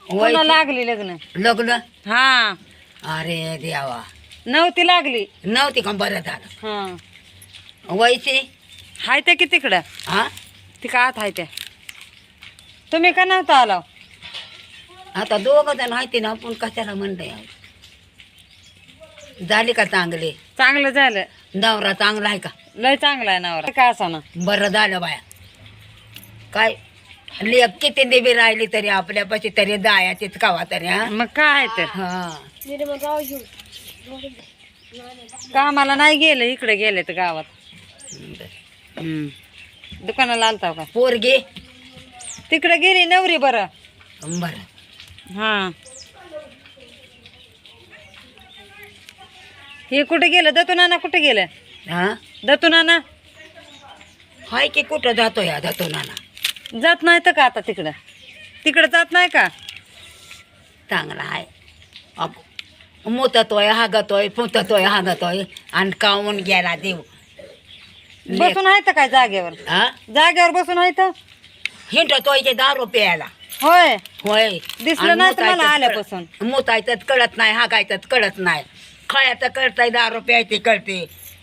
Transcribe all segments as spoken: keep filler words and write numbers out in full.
पुन्हा लागली लग्न लग्न हा अरे देवा नव्हती लागली नव्हती का बरं झालं हा वयची हाय त्या की तिकडं हा ती का आत हाय त्या तुम्ही का नव्हता आला आता दोघं जण माहिती ना आपण कशाला म्हणतंय झाली का चांगले चांगलं झालं नवरा चांगला आहे का लय चांगला आहे नवरा का असा ना बरं झालं बाया काय लेख किती देवी राहिली तरी आपल्यापाशी तरी जायाचीच कावा तरी हा मग काय तर हा कामाला नाही गेलं इकडे गेले तर गावात हम्म. दुकानाला आलता का पोरगी तिकडे गेली नवरी बरं बरं हा हे कुठे गेलं दत्तू नाना कुठे गेलं हा दत्तू नाना हाय की कुठं जातो या जातो नाना जात नाही तर का आता तिकडं तिकडं जात नाही का चांगला आहे अप मुततोय हागतोय फुततोय हागतोय आणि काऊन गेला देव बसून आहे तर काय जागेवर हा जागेवर बसून आहे तर हिंडतोय ते दारू प्यायला होय होय दिसलं नाही तर मला आल्यापासून मुतायचं कळत नाही हागायचं कळत नाही खळ्याचं कळतंय दारू प्यायची कळते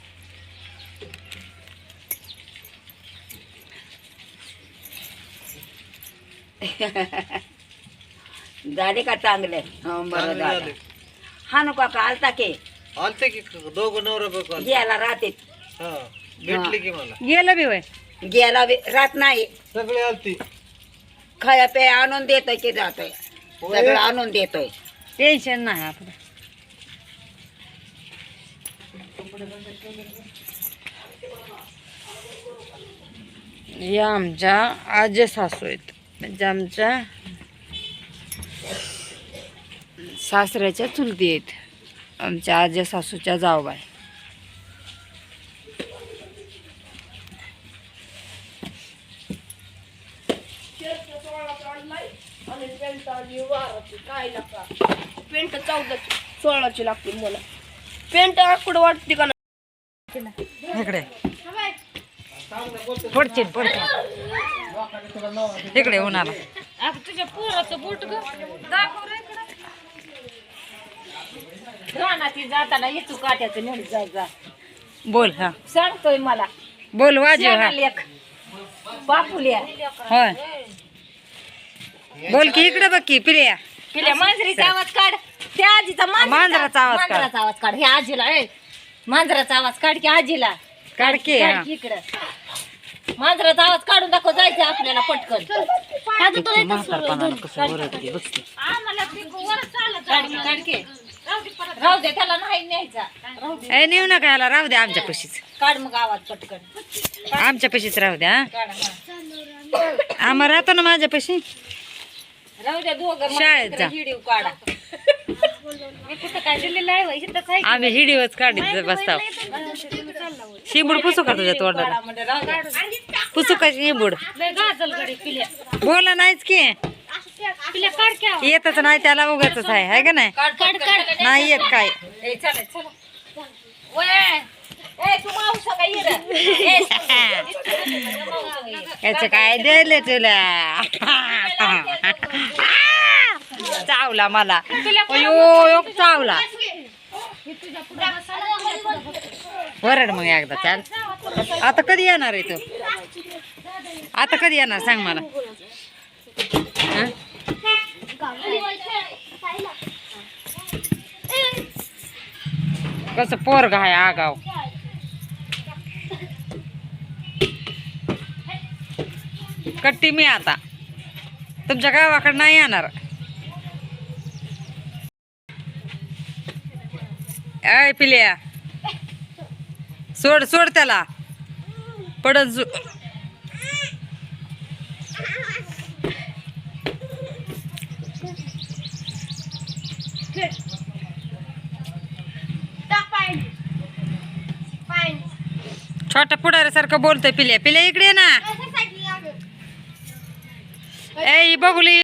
झाले का चांगले हं, बरं झालं हा नको का आलता की आलते की दोघं नवरा बायको आलते. गेला राहते हा भेटले की मला गेलं बी वय गेला बी- राहत नाही सगळे आलती खाया पे आणून देतोय की जातोय सगळं आणून देतोय टेन्शन नाही आपलं या आमच्या आजी सासू आहेत म्हणजे आमच्या सासऱ्याच्या चुलती आहेत आमच्या आजी सासूच्या जावबाई पेंट चौदा सोळाची लागते मला पेंट आकडं वाटते का इकडे पडचिन पडचिन इकडे उन्हाला तुझ्या पोराचं बोट ग दाखव रे रानाती जाताना येतो काट्याचं नेहमी जायचा बोल हा सांगतोय मला बोल वाजव हा लेख बापुल्या होय बोल की इकडे बघ की प्रिया पिल्या मांजरीचा आवाज काढ त्या आजीचा मांजराचा आवाज काढ. मांजराचा आवाज काढ हे आजीला ए मांजराचा आवाज काढ की आजीला काढ की हा. काढ की इकडं मांजराचा आवाज काढून दाखव जायचं आपल्याला पटकन किती म्हातारपणाला कसं ओरडते बघ की. काढ की, काढ की. राहू दे त्याला नाही न्यायचा राहू दे ए नेऊ नका याला राहू द्या आमच्या पशीच काढ मग आवाज पटकन आमच्या पशीच राहू द्या हा. काढ हा. आम्हा राहतो ना माझ्या पशी राहू द्या दोघं शाळेत जा. व्हिडिओ काढा मी कुठं काय दिलेलं आहे वय? इथंच आहे की. आम्ही हिडीवच काढीत बसताव शिंबूड पुसू का तुझ्या तोंडाला काढा म्हणजे राहू द्या. पुसू का शिंबूड लय गाजल गडी पिल्या बोला नाहीच की पिल्या काढ की आवाज. येतच नाही त्याला उगाच आहे हाय का नाही काढ काढ काढ नाही येत काय ए चला चला वय ए तू मावसा काय ये रे ए याच काय दिले तुला चावला मला अयो योग चावला वरड मग एकदा चाल आता कधी येणार आहे तू आता कधी येणार सांग मला हं? कसं पोरग आहे आगाव कट्टी मी आता तुमच्या गावाकडे नाही येणार ऐ पिल्या सोड सोड त्याला पडत जु छोटा पुढाऱ्यासारखं बोलतोय पिल्या पिल्या इकडे ये ना ए बघुली